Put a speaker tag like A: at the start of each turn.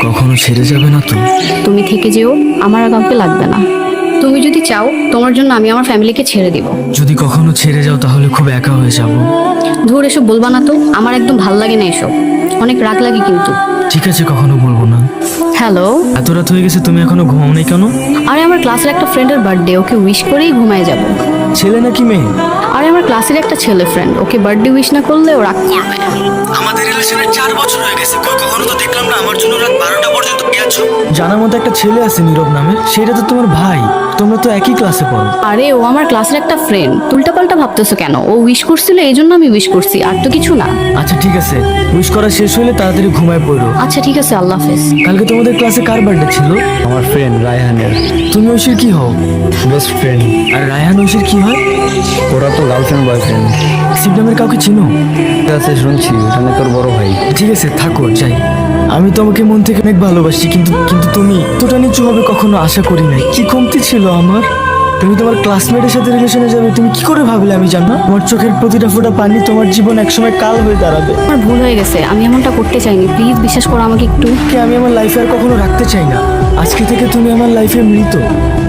A: কখনো ছেড়ে যাবে না তো?
B: তুমি থেকে যেও, আমার আর কাউকে লাগবে না। তুমি যদি চাও তোমার জন্য আমি আমার ফ্যামিলিকে ছেড়ে দিব।
A: যদি কখনো ছেড়ে যাও তাহলে খুব একা হয়ে যাব।
B: ধুর, এসব বলবা না তো, আমার একদম ভাল লাগে না এসব, অনেক রাগ লাগে কিন্তু।
A: ঠিক আছে, কখনো বলবো না।
B: হ্যালো।
A: এত রাত হয়ে গেছে, তুমি এখনো ঘুমাও নাই কেন?
B: আরে আমার ক্লাসের একটা ফ্রেন্ডের বার্থডে, ওকে উইশ করেই ঘুমায় যাব।
A: ছেলে নাকি মেয়ে?
B: আরে আমার ক্লাসের একটা ছেলে ফ্রেন্ড, ওকে বার্থডে উইশ না করলে ও রাগ করবে।
A: আমাদের রিলেশনের 4 বছর হয়ে গেছে, কখনো তো দেখলাম না আমার জন্য রাত 12টা পর্যন্ত গেছো। জানার মতো একটা ছেলে আছে নীরব নামে, সেটা তো তোমার ভাই, তোমরা তো একই ক্লাসে পড়ো।
B: আরে ও আমার ক্লাসের একটা ফ্রেন্ড, উল্টাপাল্টা ভাবতেছো কেন? ও উইশ করছিল এই জন্য আমি উইশ করছি, আর তো কিছু না।
A: আচ্ছা ঠিক আছে, উইশ করা শেষ হলে তাড়াতাড়ি ঘুমায় পড়ো।
B: আচ্ছা ঠিক আছে, আল্লাহ হাফেজ।
A: কালকে তোমাদের ক্লাসে কার বার্থডে ছিল?
C: আমার ফ্রেন্ড রায়হানের
A: তুমি ঐশীর কি হও?
C: Best friend.
A: আর রায়হান ঐশীর কি হয়?
C: ওরা তো গার্লফ্রেন্ড বয়ফ্রেন্ড।
A: শিব নামের কাউকে চিনো?
C: আছে শুনছি, ওখানে তোর বড় ভাই।
A: ঠিক আছে থাকো, যাই। আমি তোমাকে মন থেকে অনেক ভালোবাসি, কিন্তু কিন্তু তুমি এতটা নিচু হবে কখনো আশা করি নাই। কি কমতি ছিল আমার? তুমি তোমার ক্লাসমেটের সাথে রিলেশনে যাবে, তুমি কি করে ভাবলে আমি জানো? তোমার চোখের প্রতিটা ফোঁটা পানি তোমার জীবন একসময় কাল হয়ে দাঁড়াবে।
B: আমার ভুল হয়ে গেছে, আমি এমনটা করতে চাইনি, প্লিজ বিশ্বাস করো আমাকে একটু।
A: কে আমি আমার লাইফে আর কখনো রাখতে চাই না। আজকে থেকে তুমি আমার লাইফে মৃত।